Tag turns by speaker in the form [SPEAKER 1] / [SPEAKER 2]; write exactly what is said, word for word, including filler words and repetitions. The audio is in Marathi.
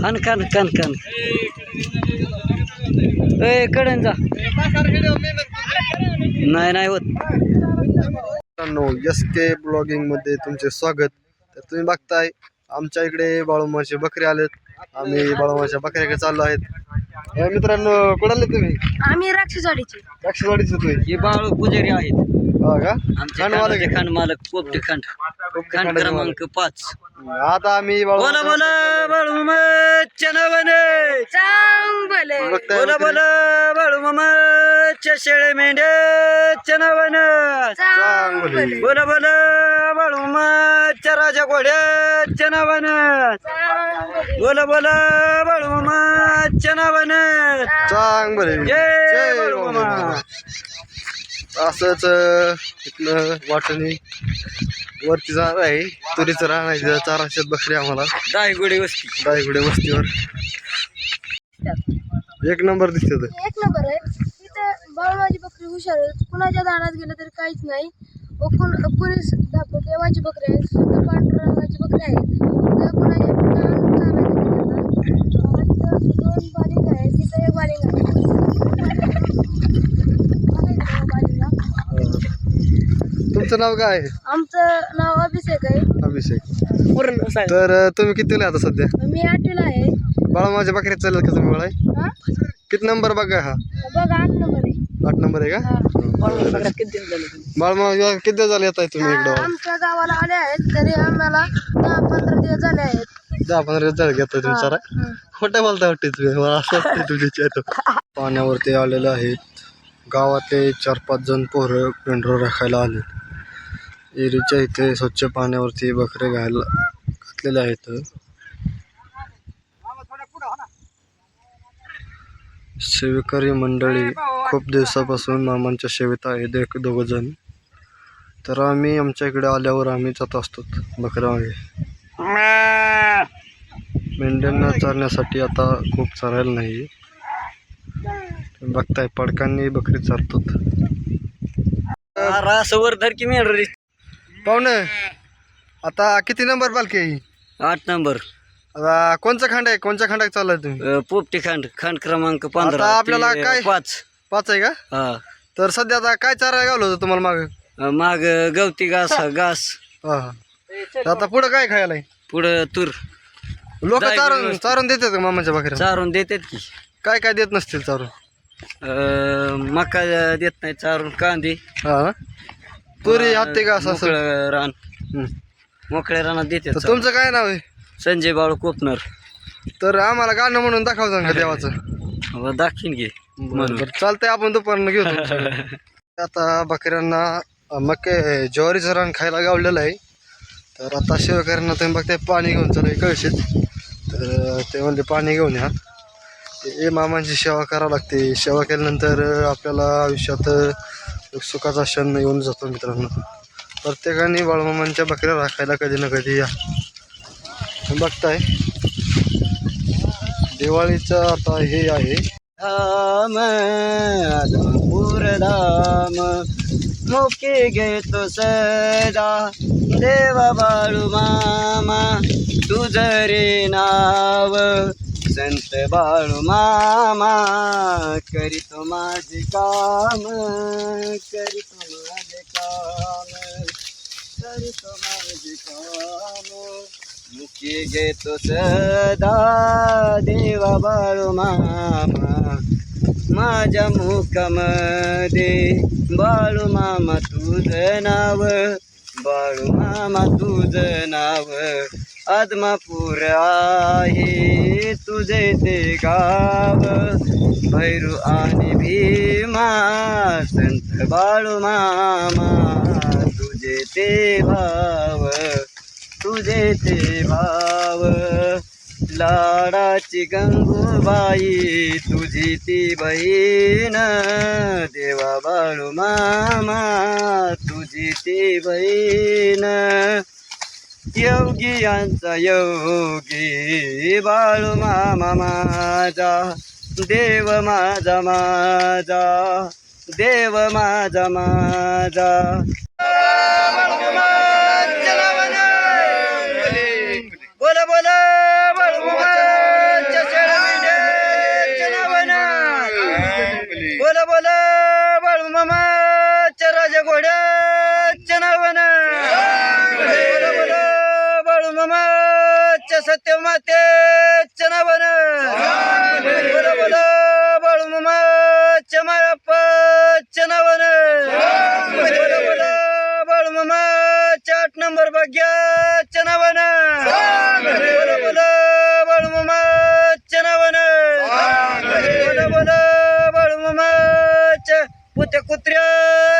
[SPEAKER 1] खान खान खान खान ए कडन जा नाही नाही होत.
[SPEAKER 2] एस के ब्लॉगिंग मध्ये तुमचे स्वागत. तर तुम्ही बघताय आमच्या इकडे बाळूमामाचे बकरे आलेत. आम्ही बाळूमामाच्या बकऱ्याकडे चाललो आहेत. मित्रांनो कुठे आले तुम्ही?
[SPEAKER 3] आम्ही राक्षसवाडीचे.
[SPEAKER 2] राक्षसवाडीचे तुम्ही?
[SPEAKER 1] हे बाळू पुजारी आहेत.
[SPEAKER 2] हा का?
[SPEAKER 1] आमचे खांड मालक पोपटी खांड खांड क्रमांक पाच.
[SPEAKER 2] आता आम्ही
[SPEAKER 1] बोला बोला बाळूमामाच्या नावाने
[SPEAKER 3] चांग भले.
[SPEAKER 1] बोला बोला बाळूमामाच्या शेळे मेंढ्याच्या नावानं
[SPEAKER 3] चांग भले.
[SPEAKER 1] बोला बोला बाळूमामाच्या राजा घोड्याच्या नावानं
[SPEAKER 3] चांग भले.
[SPEAKER 1] बोला बोला बाळूमामाच्या नावानं
[SPEAKER 2] चांग बरे.
[SPEAKER 1] जय बाळूमामा.
[SPEAKER 2] असंच इथलं वाटणी वरती जाणार आहे. तुरीचं रान आहे, चारशे बकरी आम्हाला
[SPEAKER 1] दायगुडी वस्ती
[SPEAKER 2] दायगुडे वस्तीवर. एक नंबर दिसते.
[SPEAKER 3] एक नंबर आहे. इथं बाळूमाची बकरी हुशार आहे. कुणाच्या दारात गेलं तरी काहीच नाही. व कुण कुणी देवाची बकरी आहे, शुद्ध पांडुरंगाची बकरी आहे. तर कुणाच्या दोन बालिंग आहे, तिथं एक बालिंग आहे.
[SPEAKER 2] तुमचं नाव काय आहे?
[SPEAKER 3] आमचं नाव अभिषेक आहे.
[SPEAKER 2] अभिषेक. तर तुम्ही कितीला आता सध्या?
[SPEAKER 3] मी आठवीला आहे.
[SPEAKER 2] बाळूमामाच्या बकऱ्यात चालेल का तुम्ही? मला
[SPEAKER 3] हा?
[SPEAKER 2] किती नंबर बघा? हा
[SPEAKER 3] बघा आठ नंबर आहे.
[SPEAKER 2] आठ नंबर आहे का? बाळूमामा किती दिवस झाले येत आहे तुम्ही इकडं?
[SPEAKER 3] आमच्या गावाला आले आहेत तरी आम्हाला दहा पंधरा दिवस झाले आहेत.
[SPEAKER 2] दहा पंधरा दिवस झाले घेताय तुम्ही सारा. खोटं बोलता वाटते तुम्ही. मला असं वाटतं तुमच्या पाण्यावरती आलेलं आहेत. गावातले चार पाच जण पोरं पेंढरं राखायला आले. एरीच्या इथे स्वच्छ पाण्यावरती बकरे घायला घातलेले आहेत. सेवेकरी मंडळी खूप दिवसापासून मामांच्या सेवेत आहेत, एक दोघ जण. तर आम्ही आमच्या इकडे आल्यावर आम्ही जात असतो बकऱ्या मागे. मेंढ्यांना चारण्यासाठी आता खूप चारायला नाही. बघताय पडकांनी बकरी चारतात.
[SPEAKER 1] रासवर धर की मेंढर
[SPEAKER 2] पाहुणे आता किती नंबर पालखी आहे ही?
[SPEAKER 1] आठ नंबर.
[SPEAKER 2] आता कोणचा खांड आहे? कोणत्या खांडात चाललाय तुम्ही?
[SPEAKER 1] अ, पोपटी खांड खांड क्रमांक पंधरा.
[SPEAKER 2] आता आपल्याला
[SPEAKER 1] ते
[SPEAKER 2] काय?
[SPEAKER 1] पाच
[SPEAKER 2] पाच आहे का?
[SPEAKER 1] हा.
[SPEAKER 2] तर सध्या आता काय चारा गावलं होतं तुम्हाला माग?
[SPEAKER 1] अ, माग गवती घास घास
[SPEAKER 2] हा हा. तर आता पुढं काय खायला आहे?
[SPEAKER 1] पुढं तूर
[SPEAKER 2] लोक
[SPEAKER 1] जाय
[SPEAKER 2] चारून
[SPEAKER 1] व्यवस्थित.
[SPEAKER 2] चारून देतात का मामाच्या बकऱ्या?
[SPEAKER 1] चारून देतात की.
[SPEAKER 2] काय काय देत नसतील चारून?
[SPEAKER 1] अ, मका देत नाही चारून. कांदे,
[SPEAKER 2] हा तुरी हत्ती का असं असं?
[SPEAKER 1] मोकळं रान
[SPEAKER 2] हम्म.
[SPEAKER 1] मोकळ्या रानात
[SPEAKER 2] तर
[SPEAKER 1] देतात.
[SPEAKER 2] तुमचं काय नाव आहे?
[SPEAKER 1] संजय बाळू कोपनर.
[SPEAKER 2] तर आम्हाला गाणं म्हणून दाखवता का देवाचं?
[SPEAKER 1] अ, दाखीन घे म्हणून.
[SPEAKER 2] बरं चालतंय, आपण दुपारनं घेऊ तुमच्याकडे. आता बकऱ्यांना मके ज्वारीचं रान खायला गावलेलं आहे. तर आता शेवकऱ्यांना तुम्ही बघताय पाणी घेऊन चालू आहे कळशीत. तर ते म्हणले पाणी घेऊन या. हे मामांची सेवा करावं लागते. सेवा केल्यानंतर आपल्याला आयुष्यात सुखाचा क्षण येऊन जातो. मित्रांनो, प्रत्येकाने बाळूमामांच्या बकऱ्या राखायला कधी ना कधी या. बघताय दिवाळीचं आता हे आहे.
[SPEAKER 1] धाम आदमपूर धाम मुके घेतो सदा देवा बाळू मामा तुझ रे नाव. संत बाळू मामा करीतो माझे काम करीतो माझे काम करीतो माझे काम. मुके घेतो सदा देवा बाळू मामा माझ्या मुखामध्ये बाळू मामा तुझं नाव बाळू मामा तुझं नाव. आदमापूर आहे तुझे ते गाव भैरू आणि भीमा संत बाळू मामा तुझे ते भाव तुझे ते भाव. लाडाची गंगूबाई तुझी ती बहीण देवा बाळू मामा तुझी ती बहीण. योगियांचा योगी बाळू मामा माझा देव माझा माझा देव माझा माझा. बोला बोला बाळू मामा सत्य माते चनावन बोला बोला बाळूमामा चमायप्पा चनावन बोला बोला बाळूमामा चाट नंबर भाग्या चनावन बोला बोला बाळूमामा चनावन बोला बोला बाळूमामा पुत्या कुत्र्या